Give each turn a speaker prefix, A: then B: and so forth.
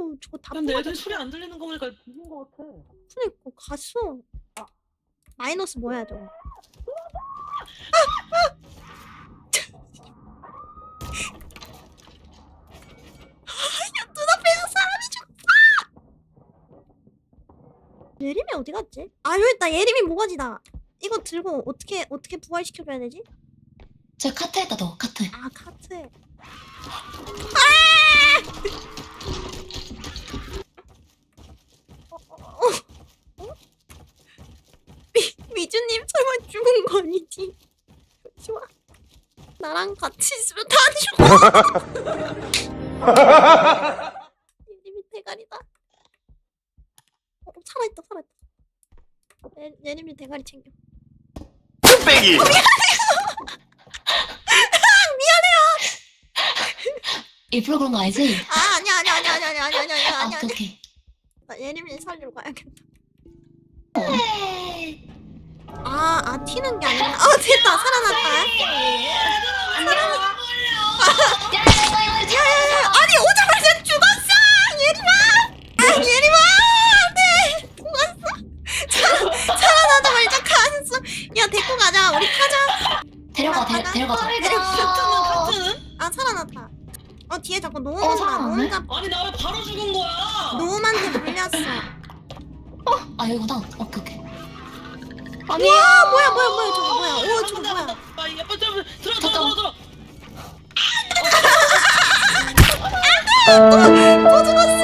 A: 저거 다
B: 근데 애들
A: 뽑아줬어.
B: 소리 안 들리는 거 보니까 죽은 거 같아.
A: 그니까 갔어. 마이너스 뭐야 저거. 눈앞에서 사람이 죽었어. 예림이 어디 갔지? 아 여기 있다. 예림이 모가지다. 이거 들고 어떻게 부활시켜줘야 되지?
C: 저 카트에다 넣어, 카트에.
A: 아 카트에. 미주님 설마 죽은 거 아니지? 좋아. 나랑 같이 있으면 다 죽어. 예림이 대가리다. 살아있다. 예림이 대가리 챙겨.
D: 빼기.
C: 일부러 그런 거 알지?
A: 아 아니야.
C: 오케이.
A: 나 예림이 살리러 가야겠다.
C: 오케이.
A: 아 튀는 게 아니라. 됐다 살아났다. 야야야 아니 오자마자 죽었어 예림아 네 죽었어. 살아나자마자 갔어. 야 데리고 가자 우리 타자.
C: 데려가자.
B: 카트는?
A: 아 살아났다. 뒤에 자꾸
C: 살아났네?
A: 노음한테
B: 아니 나 왜 바로 죽은 거야?
A: 노음한테 물렸어.
C: 아, 여기구나. 오케이.
A: 우와 뭐야 저거 뭐야. 오 저거 뭐야.
B: 야 빨리 들어.
A: 또 죽었어.